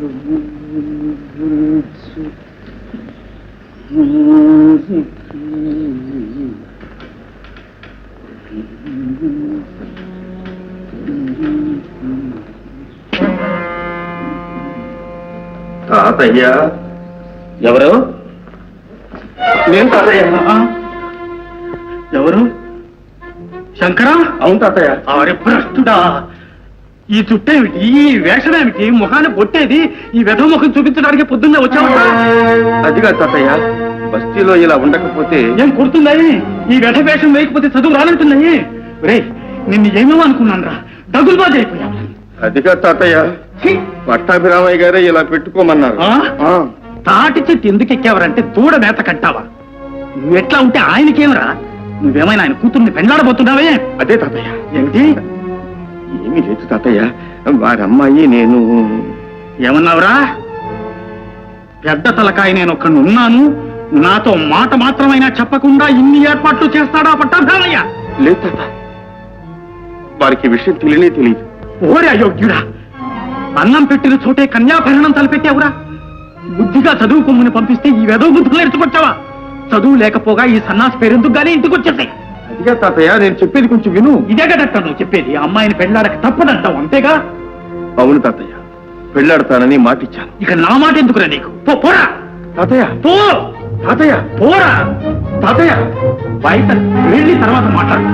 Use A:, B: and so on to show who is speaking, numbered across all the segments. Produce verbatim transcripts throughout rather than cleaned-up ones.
A: తాతయ్య ఎవరు? నేను తాతయ్య.
B: ఎవరు? శంకరా?
A: అవును తాతయ్య.
B: అరే భ్రష్టుడా, ఈ చుట్టేమిటి, ఈ వేషమేమిటి, ముఖాన్ని కొట్టేది, ఈ వెధ ముఖం చూపించడానికి పొద్దున్నే వచ్చావా?
A: అదిగా తాతయ్య, బస్తీలో ఇలా ఉండకపోతే
B: ఏం కుడుతున్నాయి? ఈ వెధ వేషం వేయకపోతే చదువు రానంటున్నాయి. రే, నిన్ను ఏమేమో అనుకున్నాను రా, డగులుబాజీ అయిపోయావు.
A: అదిగా తాతయ్య, పట్టాభిరామయ్య గారే ఇలా పెట్టుకోమన్నారు.
B: తాటి చెట్టు ఎందుకు ఎక్కేవారంటే దూడ మేత కట్టావా? నువ్వు ఎట్లా ఉంటే ఆయనకేమరా? నువ్వేమైనా ఆయన కూతుర్ని పెండ్లాడబోతున్నావే?
A: అదే తాతయ్య.
B: ఏమిటి?
A: ఏమీ లేదు తాతయ్య, వారి అమ్మాయి నేను.
B: ఏమన్నావురా? పెద్ద తలకాయ నేను ఒక్కడు ఉన్నాను, నాతో మాట మాత్రమైనా చెప్పకుండా ఇన్ని ఏర్పాట్లు చేస్తాడా పట్టాభిరామయ్య?
A: లేదు తాత, వారికి విషయం తెలియనే తెలియదు.
B: ఓరే అయోగ్యుడా, అన్నం పెట్టిన చోటే కన్యాభరణం తలపెట్టావురా. బుద్ధిగా చదువుకోమని పంపిస్తే ఈ వెదవ బుద్ధులు ఎరుచుకొచ్చావా? చదువు లేకపోగా ఈ సన్నాసి పేరెందుకు గానీ ఇంటికి వచ్చేసాయి.
A: అదిగా తాతయ్య, నేను చెప్పేది కొంచెం విను.
B: ఇదే కదట నువ్వు చెప్పేది, అమ్మాయిని పెళ్లాడక తప్పదంటావు, అంతేగా?
A: అవును తాతయ్య, పెళ్లాడతానని మాటిచ్చాను.
B: ఇక నా మాట ఎందుకురా నీకు? పో, పోరా
A: తాతయ్య.
B: పో
A: తాతయ్య,
B: పోరా
A: తాతయ్య.
B: బయట వెళ్ళి తర్వాత మాట్లాడు.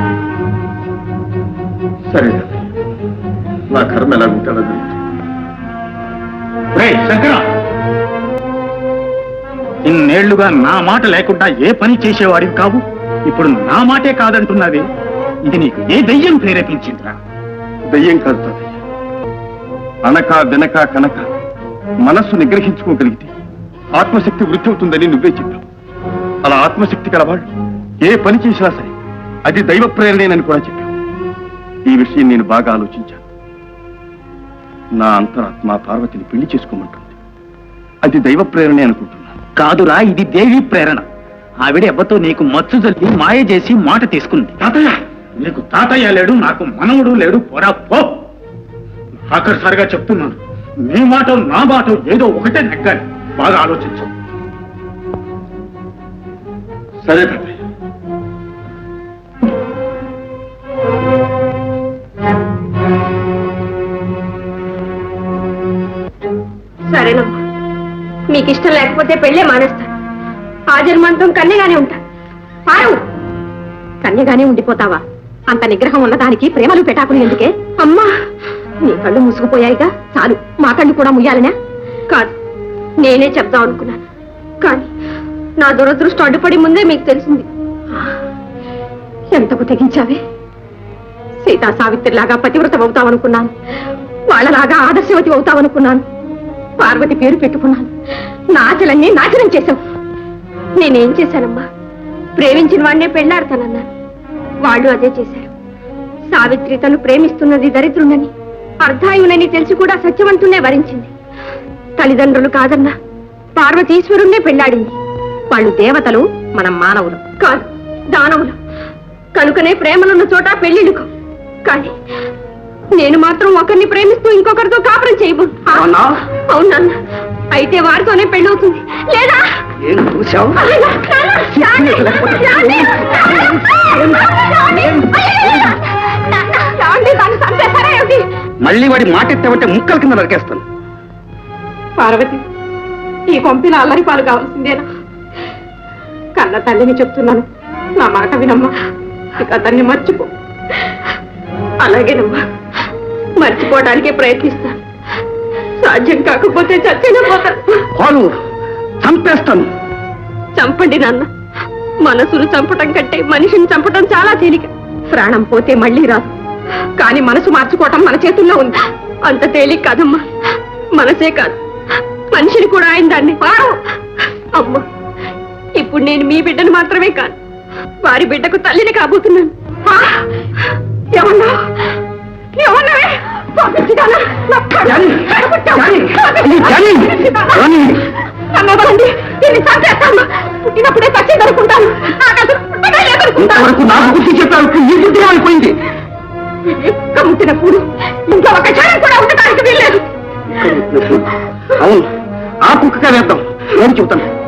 A: సరే తాతయ్య, నా కర్మ ఎలా ఉంటాడో తెలియదు.
B: రేయ్ శంకర, ఇన్నేళ్లుగా నా మాట లేకుండా ఏ పని చేసేవాడివి కావు, ఇప్పుడు నా మాటే కాదంటున్నావే, ఇది నీకు ఏ దయ్యం ప్రేరేపించిందిరా?
A: దయ్యం కాదు తాతయ్య, అనక వెనక కనక మనస్సు నిగ్రహించుకోగలిగితే ఆత్మశక్తి వృద్ధి అవుతుందని నువ్వే చెప్పావు. అలా ఆత్మశక్తి కలవాళ్ళు ఏ పని చేసినా సరే అది దైవ ప్రేరణేనని కూడా చెప్పావు. ఈ విషయం నేను బాగా ఆలోచించాను. నా అంతరాత్మ పార్వతిని పెళ్లి చేసుకోమంటుంది. అది దైవ ప్రేరణే అనుకుంటున్నాను.
B: కాదురా, ఇది దేవి ప్రేరణ. ఆవిడ ఎవ్వతో నీకు మచ్చు జల్లి మాయ చేసి మాట తీసుకుంది. తాతయ్య, నీకు తాతయ్య లేడు, నాకు మనవుడు లేడు, పోరా పో. ఆఖరిసారిగా చెప్తున్నాను, నీ మాట నా మాట ఏదో ఒకటే నెగ్గాలి, బాగా ఆలోచించు.
A: సరే తాతయ్య.
C: సరేనమ్మా, మీకు ఇష్టం లేకపోతే పెళ్ళే మానేస్తాను. ఆ జన్మాంతం కన్యగానే ఉంటా. పారు, కన్యగానే ఉండిపోతావా? అంత నిగ్రహం ఉన్నదానికి ప్రేమలు పెటాకులు ఎందుకే? అమ్మా, నీ కళ్ళు మూసుకుపోయాయిగా, చాలు. మా కళ్ళు కూడా ముయ్యాలనా? కాదు, నేనే చెప్దాం అనుకున్నాను, కానీ నా దురదృష్టం అడ్డుపడి ముందే మీకు తెలిసింది. ఎంతకు తెగించావే? సీతా సావిత్రిలాగా పతివ్రతం అవుతావనుకున్నాను, వాళ్ళలాగా ఆదర్శవతి అవుతావనుకున్నాను. పార్వతి పేరు పెట్టుకున్నాను, నా ఆశలన్నీ నాశనం చేశావు. నేనేం చేశానమ్మా? ప్రేమించిన వాడినే పెళ్లాడతానన్నాను, వాళ్ళు అదే చేశారు. సావిత్రి తను ప్రేమిస్తున్నది దరిద్రునని, అర్ధాయునని తెలిసి కూడా సత్యవంతునే వరించింది. తల్లిదండ్రులు కాదన్నా పార్వతీశ్వరుణ్ణే పెళ్లాడింది. వాళ్ళు దేవతలు, మనం మానవులు కాదు, దానవులు. కనుకనే ప్రేమలున్న చోట పెళ్లిడుకు. కానీ నేను మాత్రం ఒకరిని ప్రేమిస్తూ ఇంకొకరితో కాపురం చేయబో. అవునన్నా, అయితే వారితోనే పెళ్ళవుతుంది. లేదా
B: మళ్ళీ వాడి మాట ఎత్తామంటే ముక్కల కింద నరికేస్తాను.
C: పార్వతి, ఈ కొంపిన అల్లరి పాలు కావాల్సిందేనా? కన్న తల్లిని చెప్తున్నాను, నా మాట వినమ్మా. ఇక అతన్ని మర్చిపో. అలాగేనమ్మా, మర్చిపోవడానికే ప్రయత్నిస్తాను. సాధ్యం కాకపోతే చచ్చిన పోతాను.
B: చంపేస్తాను.
C: చంపండి నాన్న. మనసును చంపటం కంటే మనిషిని చంపటం చాలా తేలిక. ప్రాణం పోతే మళ్ళీ రాదు, కానీ మనసు మార్చుకోవటం మన చేతుల్లో ఉంది. అంత తేలిక కాదమ్మా. మనసే కాదు, మనిషిని కూడా ఆయన దాన్ని. అమ్మా, ఇప్పుడు నేను మీ బిడ్డను మాత్రమే కాదు, వారి బిడ్డకు తల్లిని కాబోతున్నాను. ఏమన్నా ఏమన్నావే? పుట్టినప్పుడే చచ్చేదనుకుంటాను. ముట్టినప్పుడు ఇంకా ఒక క్షణం కూడా ఉండటానికి వీల్లేదు.
B: అవును ఆ కుక్కగా వేద్దాం నేను చెబుతాను